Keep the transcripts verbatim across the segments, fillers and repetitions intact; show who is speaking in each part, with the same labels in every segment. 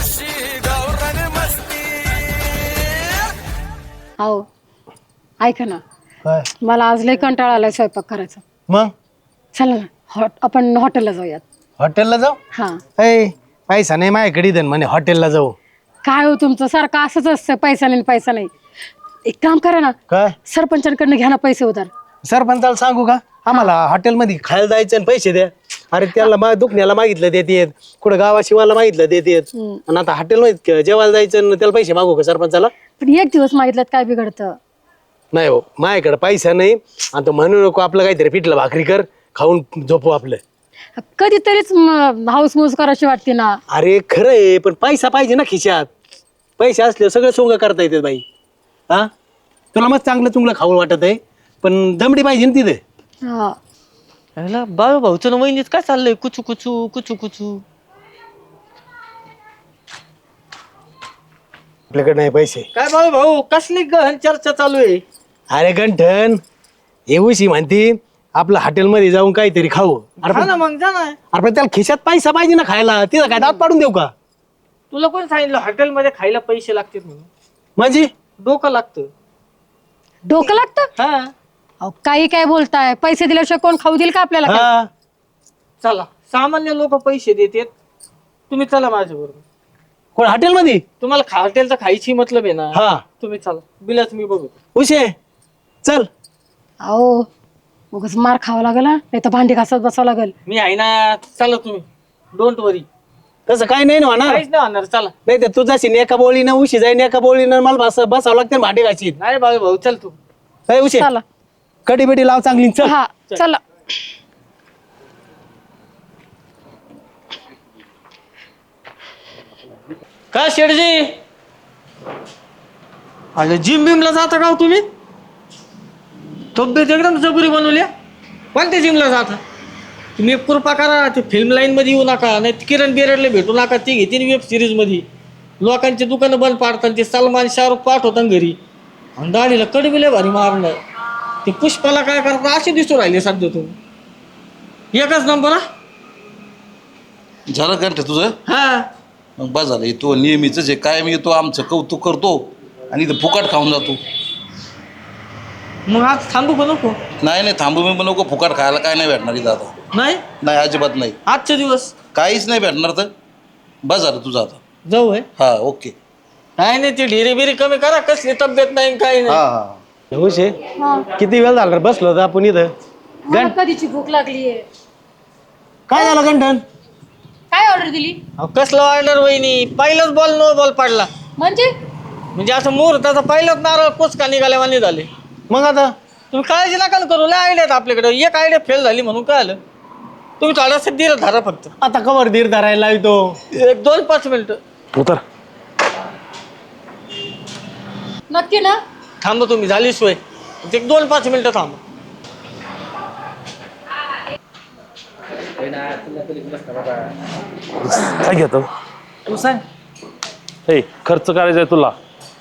Speaker 1: हो ऐका ना,
Speaker 2: काय
Speaker 1: मला आज लय कंटाळा आलाय स्वयंपाक करायचा.
Speaker 2: मग
Speaker 1: चला ना, हॉट आपण हॉटेलला जाऊयात.
Speaker 2: हॉटेलला जाऊ?
Speaker 1: हा.
Speaker 2: ऐ पैसा नाही माझ्याकडे देन म्हणे हॉटेलला जाऊ.
Speaker 1: काय हो तुमचं सारखं असंच असतं, पैसा नाही पैसा नाही. एक काम करा ना,
Speaker 2: काय
Speaker 1: सरपंचांकडनं घ्या ना पैसे उधार.
Speaker 2: सरपंचाला सांगू का आम्हाला हॉटेलमध्ये खायला जायचं आणि पैसे द्या? अरे त्याला मा दुखण्याला मागितलं देतेत, कुठं गावाशिवाला मागितलं देतेत, आणि आता हॉटेलमध्ये जेवायला जायचं आणि त्याला पैसे मागू का सरपंचाला?
Speaker 1: पण एक दिवस मागितलं काय बिघडतं?
Speaker 2: नाही हो, माझ्याकडे पैसा नाही. आता म्हणू नको, आपलं काहीतरी पिठलं भाकरी कर, खाऊन झोपू आपलं.
Speaker 1: कधीतरीच हाऊस मूस करायची वाटते ना.
Speaker 2: अरे खरं आहे, पण पैसा पाहिजे ना खिशात. पैसे असले सगळं सोंग करता येते बाई. हा तुला मग चांगलं चुंगलं खाऊ वाटत आहे, पण दमडी पाहिजे ना तिथे.
Speaker 1: हा.
Speaker 3: ह्याला बाळू भाऊचं ना वहिनीच काय चाललंय कुचू कुचू कुचू कुचू.
Speaker 2: आपल्याकडे नाही पैसे.
Speaker 3: काय बाळू भाऊ कसली गहन चर्चा चालू आहे?
Speaker 2: अरे गंठन येऊशी म्हणती आपलं हॉटेलमध्ये जाऊन काहीतरी खाऊ. अरे
Speaker 3: हा
Speaker 2: पण
Speaker 3: ना मग जा ना.
Speaker 2: अरे पण त्याला खिशात पैसा पाहिजे ना खायला. तिथं काय दात पाडून देऊ का?
Speaker 3: तुला कोण सांगितलं हॉटेलमध्ये खायला पैसे लागतात म्हणून?
Speaker 2: म्हणजे
Speaker 3: डोकं लागतं.
Speaker 1: डोकं लागतं?
Speaker 3: हा
Speaker 1: अहो काही काय बोलताय, पैसे दिल्याशिवाय कोण खाऊ देईल का आपल्याला काय?
Speaker 2: हा
Speaker 3: चला, सामान्य लोक पैसे देतात, तुम्ही चला माझ्या बरोबर.
Speaker 2: कोण हॉटेलमध्ये?
Speaker 3: तुम्हाला खा हॉटेलचा खायची मतलब आहे ना.
Speaker 2: हा
Speaker 3: तुम्ही चला, बिलाच मी बघू.
Speaker 2: उशे चल.
Speaker 1: अहो उगाच मार खावा लागेल, नाही तर भांडी घासत बसावं लागेल.
Speaker 3: मी आहे ना, चला तुम्ही, डोंट वरी.
Speaker 2: तसं काही नाही ना होणार.
Speaker 3: काहीच नाही होणार, चला.
Speaker 2: नाही तर तुझा शिन एका बोळीनं उशी जाईन, एका बोळीनं मला बस बसावं लागते भांडी घाशीत.
Speaker 3: नाही बाळू भाऊ चल तू.
Speaker 2: काय उशे
Speaker 1: चला.
Speaker 2: कडी बिडी लाव चांगली. चल
Speaker 1: हा चला.
Speaker 3: काय शेठजी, अरे जिम बिमला जाता का हो तुम्ही? तब्येत एकदम जबरी बनवल्या. कोणत्या जिमला जाता तुम्ही? एक कृपा करा, ते फिल्म लाईन मध्ये येऊ नका, नाही किरण बिरडले भेटू नका. ते घेतील वेब सिरीज मध्ये, लोकांची दुकानं बंद पाडतात. ते सलमान शाहरुख पाठवतात घरी, आणि दाढीला कडबिले भारी मारणार. ते पुष्पाला काय करतात असे दिसू राहिले सध्या तुम्ही. एकच नंबर. हा
Speaker 4: झालं घंटे तुझं?
Speaker 3: हा
Speaker 4: मग बस झालं. तो नेहमीच आहे, कायम येतो आमचं कौतुक करतो आणि इथं फुकाट खाऊन जातो.
Speaker 3: मग आज थांबू का नको?
Speaker 4: नाही नाही थांबू मी पण नको. फुकाट खायला काय नाही भेटणार इथं आता.
Speaker 3: नाही
Speaker 4: नाही अजिबात नाही,
Speaker 3: आजचे दिवस
Speaker 4: काहीच नाही भेटणार. तर बस झालं तुझं आता.
Speaker 3: जाऊ आहे.
Speaker 4: हा ओके.
Speaker 3: काय नाही, ती ढिरी बिरी कमी करा. कसली तब्येत नाही काही
Speaker 4: हा
Speaker 3: नाही.
Speaker 4: हा
Speaker 2: उशे किती वेळ झाला रे बसलो होतो आपण इथं.
Speaker 1: मला कधीची भूक लागलीये.
Speaker 2: काय झालं गंठन?
Speaker 1: काय ऑर्डर दिली?
Speaker 3: अहो, कसलं ऑर्डर वहिनी, पहिलंच बॉल नो बॉल पडला.
Speaker 1: म्हणजे
Speaker 3: म्हणजे असं मुहूर्ताचा पहिलाच नारळ कोचका निघाल्यावानी झाले.
Speaker 2: मग आता
Speaker 3: तुम्ही काळजी नका ना करू. लय आयडियात आपल्याकडे. एक आयडिया फेल झाली म्हणून काय आलं, तुम्ही थोडासा धीर धरा फक्त.
Speaker 2: आता कवर धीर धरायला येतो.
Speaker 3: एक दोन पाच मिनिटं
Speaker 2: उतर.
Speaker 1: नक्की ना?
Speaker 3: थांबा तुम्ही, झाली सोय. एक दोन पाच मिनिटं थांबा.
Speaker 5: काय घेतो
Speaker 3: तू सांग.
Speaker 5: हे खर्च करायचा आहे तुला.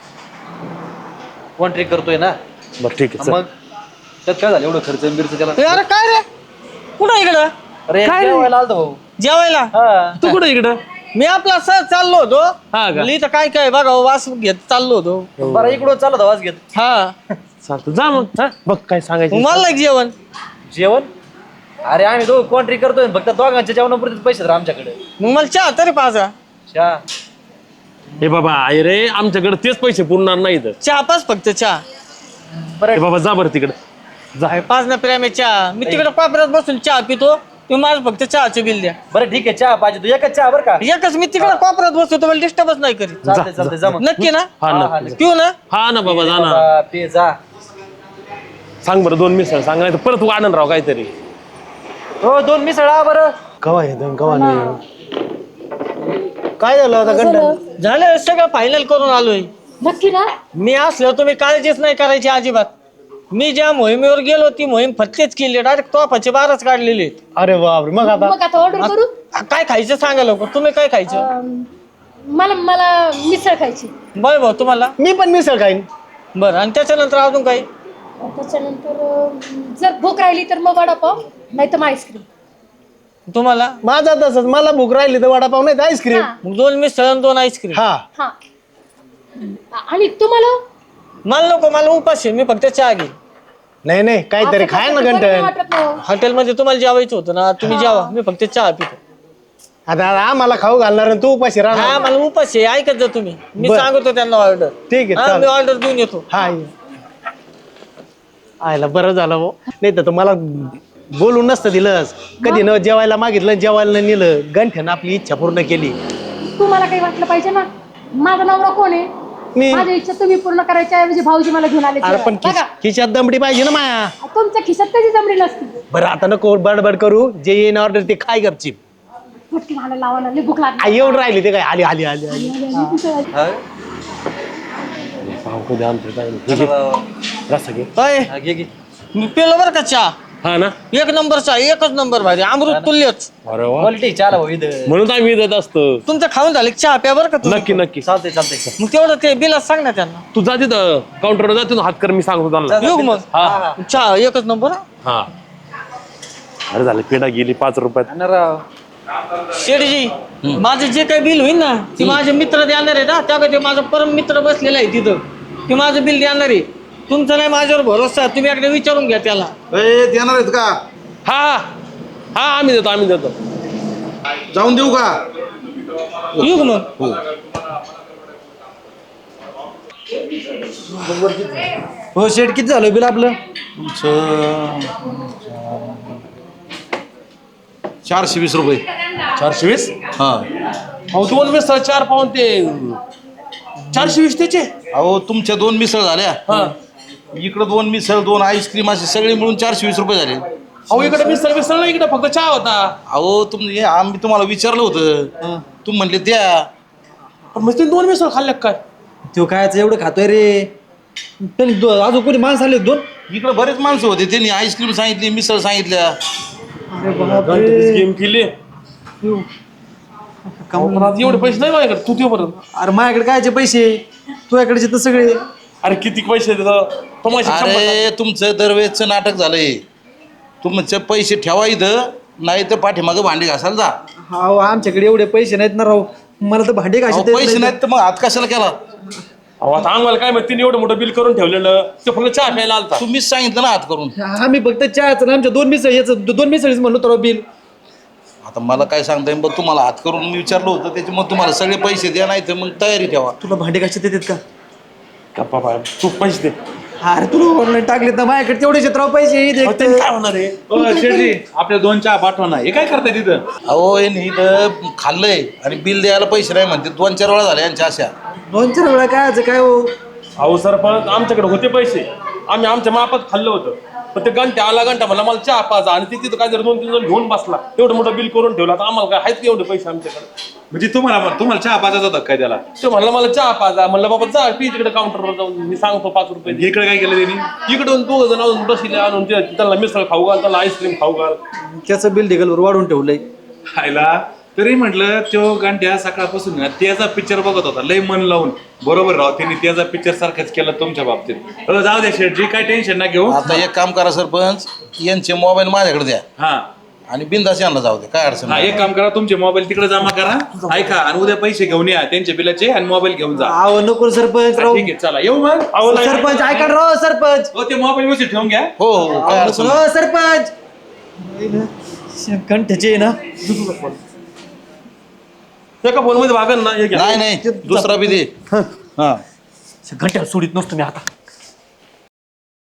Speaker 6: वन ट्रिक करतोय ना.
Speaker 5: बरं ठीक आहे चल.
Speaker 6: मग त्यात काय झालं एवढं खर्च बिर्च त्याला?
Speaker 3: ए, अरे काय रे, कुठं इकडं?
Speaker 6: अरे
Speaker 3: काय रे?
Speaker 6: जेवायला आलतो भाऊ.
Speaker 3: जेवायला?
Speaker 6: हा.
Speaker 3: तू कुठं इकडं? मी आपला सहज चाललो होतो.
Speaker 5: हा का?
Speaker 3: म्हणलं इथं काय काय बघा, वास घेत चाललो होतो.
Speaker 6: बरं इकडून चालत आवाज घेत.
Speaker 3: हा
Speaker 5: चालतं जा मग. हा बघ काय
Speaker 3: मग
Speaker 5: सांगायचं.
Speaker 3: मला एक जेवण.
Speaker 6: जेवण? अरे आम्ही दोघं वन ट्रिक करतोय, फक्त दोघांच्या जेवणापुरते पैसे तर आमच्याकडे.
Speaker 3: मग मला चहा तरी पाजा.
Speaker 6: चहा?
Speaker 5: हे बाबा आहे रे, आमच्याकडे तेच पैसे पुरणार नाहीत.
Speaker 3: चहा पाच फक्त चहा.
Speaker 5: हे बाबा जा बरं तिकडे जा.
Speaker 3: अरे पाच ना प्रेम चहा. मी तिकडे कोपऱ्यात बसून चहा पितो, तुम्ही मला फक्त चहाचं बिल द्या.
Speaker 6: बरं ठीक आहे, चहा पाहिजे तू एकच चहा बरं का?
Speaker 3: एकच. मी तिकडे कोपऱ्यात बसतो, तुम्हाला डिस्टर्बच नाही करीत.
Speaker 6: चालतंय चालतंय जा मग.
Speaker 3: नक्की ना?
Speaker 5: हा
Speaker 6: हा, हा,
Speaker 5: ना
Speaker 3: पिऊ ना?
Speaker 5: हा ना बाबा जा ना.
Speaker 6: बाबा, पे जा.
Speaker 5: सांग बरं दोन मिसळ सांग, नाही तर परत वाढण राव काहीतरी.
Speaker 6: हो दोन मिसळा बरं.
Speaker 2: कवा येतो कवा नाही. काय झालं आता गंठन?
Speaker 3: झालं सगळं फायनल करून आलोय.
Speaker 1: नक्की ना?
Speaker 3: मी असलो तुम्ही काळजीच नाही करायची अजिबात. मी ज्या मोहिमेवर गेलो ती मोहीम फत्तेच केली. डायरेक्ट तोफाचे बारच काढलेले.
Speaker 2: अरे बापरे. मग आता
Speaker 1: मग आता ऑर्डर करू?
Speaker 3: काय खायचं सांगा लवकर. तुम्ही काय खायचं?
Speaker 1: अं, मला मला मिसळ खायची.
Speaker 3: बरं भाऊ तुम्हाला?
Speaker 2: मी पण मिसळ खाईन.
Speaker 3: बरं, आणि त्याच्यानंतर अजून काही?
Speaker 1: त्याच्यानंतर अं, जर भूक राहिली तर मग वडापाव, नाही तर मग आईस्क्रीम.
Speaker 3: तुम्हाला
Speaker 2: माझा तसंच, मला भूक राहिली तर वडापाव नाही तर आईस्क्रीम.
Speaker 3: मग दोन मिसळ आणि दोन आईस्क्रीम.
Speaker 2: हा
Speaker 1: हा आणि तुम्हाला
Speaker 3: मला नको, मला उपास आहे, मी फक्त चहा घेईन.
Speaker 2: नाही नाही काहीतरी खाय ना घंटन.
Speaker 3: हॉटेलमध्ये तुम्हाला जेवायचं होतं ना, तुम्ही जेवा, मी फक्त चहा पितो.
Speaker 2: आता आम्हाला खाऊ घालणार आणि तू उपाशी
Speaker 3: हा
Speaker 2: राहणार.
Speaker 3: मला उपास आहे, ऐकत जा तुम्ही. मी
Speaker 2: बरं.
Speaker 3: सांगतो त्यांना ऑर्डर.
Speaker 2: ठीक आहे,
Speaker 3: मी
Speaker 2: चालेल.
Speaker 3: ऑर्डर देऊन येतो.
Speaker 2: हा ये. आयला बरं झालं भाऊ, नाही तर तुम्हाला बोलून नसतं दिलंस. कधी न जेवायला मागितलं, जेवायला न नेलं. गंठ्यानं आपली इच्छा पूर्ण केली.
Speaker 1: तुम्हाला काही वाटलं पाहिजे ना, माझा नवरा कोण आहे?
Speaker 2: मी
Speaker 1: माझी इच्छा तुम्ही पूर्ण करायच्या ऐवजी भाऊजी मला घेऊन आले.
Speaker 2: अरे पण खिश- खिशात दमडी पाहिजे ना माया.
Speaker 1: तुमच्या खिशात कधी जमली नसती.
Speaker 2: बरं आता नको बडबड करू, जे येईन ऑर्डर ते काय गपची.
Speaker 1: फटकी मला लावा ना, लई भूक लागली.
Speaker 2: येऊन राहिली ते काय आली आली आली आली.
Speaker 5: रस्सा घे.
Speaker 3: अय,
Speaker 6: हा, घे घे.
Speaker 3: मी पेलो बरं का चहा,
Speaker 5: हा ना.
Speaker 3: एक नंबर चहा, एकच नंबर भारी, अमृत तुल्यच.
Speaker 5: अरे वा,
Speaker 6: क्वालिटी चहाला भाऊ इथं.
Speaker 5: म्हणून तर आम्ही देत असतो.
Speaker 3: तुमचं खाऊन झालं की चहा प्या बरं का तुम्ही.
Speaker 5: नक्की नक्की.
Speaker 6: चालतंय चालतंय.
Speaker 3: मग तेवढं ते बिलाच सांग ना त्यांना.
Speaker 5: तू जा तिथं काउंटरवर जा, तिथून हात कर, मी सांगतो त्यांना.
Speaker 3: येऊ मग.
Speaker 5: हा
Speaker 3: चहा एकच नंबर हा.
Speaker 5: हा. अरे झालं, पेढा गेली पाच रुपयात.
Speaker 6: आणि राव
Speaker 3: शेठजी, माझं जे काही बिल होईल ना, ते माझे मित्र देणार आहे ना. त्या ते माझा परम मित्र बसलेला आहे तिथं, ते माझं बिल देणार आहे. तुमचा नाही माझ्यावर भरोसा, तुम्ही एकदा विचारून घ्या त्याला.
Speaker 4: ए, देणार आहेत का?
Speaker 5: हा हा आम्ही देतो आम्ही देतो.
Speaker 4: जाऊन देऊ का?
Speaker 3: येऊ का मग.
Speaker 6: हो शेट, किती झालं बिल आपलं?
Speaker 4: तुमचं चारशे वीस रुपये.
Speaker 5: चारशे वीस.
Speaker 4: हा.
Speaker 5: अहो दोन मिसळ चार पाऊन ते चारशे वीस त्याचे.
Speaker 4: अहो तुमच्या दोन मिसळ झाल्या,
Speaker 5: हा.
Speaker 4: इकडं दोन मिसळ, दोन आईस्क्रीम, असे सगळे मिळून चारशे वीस रुपये झाले.
Speaker 5: अहो इकडे मिसळ मिसळ नाही, इकडे फक्त चहा होता.
Speaker 4: अहो तुम्ही आम्ही तुम्हाला विचारलं होतं, तुम्ही म्हणले द्या.
Speaker 5: पण मग तुम्ही दोन मिसळ खाल्ल्या काय?
Speaker 6: तो कायच एवढं खातोय रे. त्यांनी दो- अजून कोणी माणसं आले दोन.
Speaker 4: इकडे बरेच माणसं होते, त्यांनी आईस्क्रीम सांगितली, मिसळ सांगितल्या.
Speaker 5: गेम केली. पण आज एवढे पैसे नाही माझ्याकडे, तू दे बरं.
Speaker 6: अरे माझ्याकडे कायचे पैसे, तुझ्याकडचे तर सगळे.
Speaker 5: अरे किती पैसे देतो तमाशे.
Speaker 4: अरे तुमचं दरवेळचं नाटक झालंय. तुमचे पैसे ठेवा इथं, नाही तर पाठीमागं भांडी घासायला जा.
Speaker 6: हा, आमच्याकडे एवढे पैसे नाहीत ना राव. मला तर भांडे
Speaker 4: अहो,
Speaker 6: घासायचे
Speaker 4: पैसे नाहीत तर मग हात कशाला केला?
Speaker 5: अहो आता आम्हाला काय माहिती, एवढं मोठं बिल करून ठेवलेलं, ते फक्त चहा प्यायला आलता.
Speaker 4: तुम्हीच सांगितलं ना हात करून.
Speaker 6: आम्ही फक्त चहाचं आमच्या दोन मिसळ याचं दोन मिसळीच म्हणलो तर बिल.
Speaker 4: आता मला काय सांगता येईल, बघ तुम्हाला हात करून मी विचारलं होतं, त्याच्यामुळे तुम्हाला सगळे पैसे द्या, नाही तर मग तयारी ठेवा.
Speaker 6: तुला भांडे घासायचे देतात का?
Speaker 5: गप्पा बाय, तू पैसे दे.
Speaker 6: अरे तुला ऑनलाईन टाकले तर माझ्याकडे तेवढेच राव पैसे.
Speaker 5: अहो, त्यांनी काय होणार आहे?
Speaker 7: शेठजी आपल्या दोन चहा पाठवा ना. हे काय करताय तिथं?
Speaker 4: अहो हे नाही इथं खाल्लंय आणि बिल द्यायला पैसे नाही म्हणते. दोन चार वेळा झाल्या यांच्या अशा.
Speaker 6: दोन चार वेळा काय आज काय हो.
Speaker 5: अहो सरपंच, आमच्याकडे होते पैसे, आम्ही आमच्या मापात खाल्लं होतं. पण ते घंटा आला घंटा मला मला चहा पाजा, आणि ते तिथं काय जर दोन तीन जण घेऊन बसला, एवढं मोठं बिल करून ठेवलं. आता आम्हाला काय आहेत का एवढे पैसे आमच्याकडे?
Speaker 7: म्हणजे तुम्हाला तुम्हाला चहा पाजायचा होता काय त्याला?
Speaker 5: ते म्हणलं मला चहा पाजा, म्हणलं बाबा जा पी तिकडे काउंटरवर जाऊन, मी सांगतो पाच रुपये.
Speaker 7: इकडे काय केलं त्यांनी?
Speaker 5: इकडून दोघ जण अजून बसले आणून ते- त्यांना मिसळ खाऊ घाल, त्यांना आईस्क्रीम खाऊ घाल.
Speaker 6: त्याचं बिल ढिगलवर वाढून ठेवलंय.
Speaker 7: खायला तरी म्हटलं तो गांड्या सकाळपासून ना त्याचा पिक्चर बघत होता लय मन लावून. बरोबर राव, त्यांनी त्याचा पिक्चर सारखंच केलं तुमच्या बाबतीत. हो, जाऊ द्या शेठजी, काय टेन्शन ना घेऊ.
Speaker 4: आता एक काम करा सरपंच, यांचे मोबाईल माझ्याकडे द्या
Speaker 7: हा
Speaker 4: आणि बिंदास यांना जाऊ दे, काय अडचण
Speaker 7: हा,
Speaker 4: नाही.
Speaker 7: एक काम करा, तुमचे मोबाईल तिकडे जमा करा, ऐका, आणि उद्या पैसे घेऊन या त्यांच्या बिलाचे आणि मोबाईल घेऊन जा.
Speaker 6: आव नको सरपंच राव.
Speaker 7: ठीक आहे, चला येऊ मग.
Speaker 5: अहो नाही,
Speaker 6: सरपंच ऐका ना राव सरपंच.
Speaker 7: हो, ते मोबाईल व्यवस्थित ठेवून घ्या.
Speaker 4: हो हो काय अडचण नाही.
Speaker 6: हो सरपंच. कंठचे ना.
Speaker 5: एका फोन मध्ये भागन ना, हे घ्या.
Speaker 4: नाही नाही दुसरा बी दे. हा
Speaker 6: घंट्याला सोडित नसतो मी आता.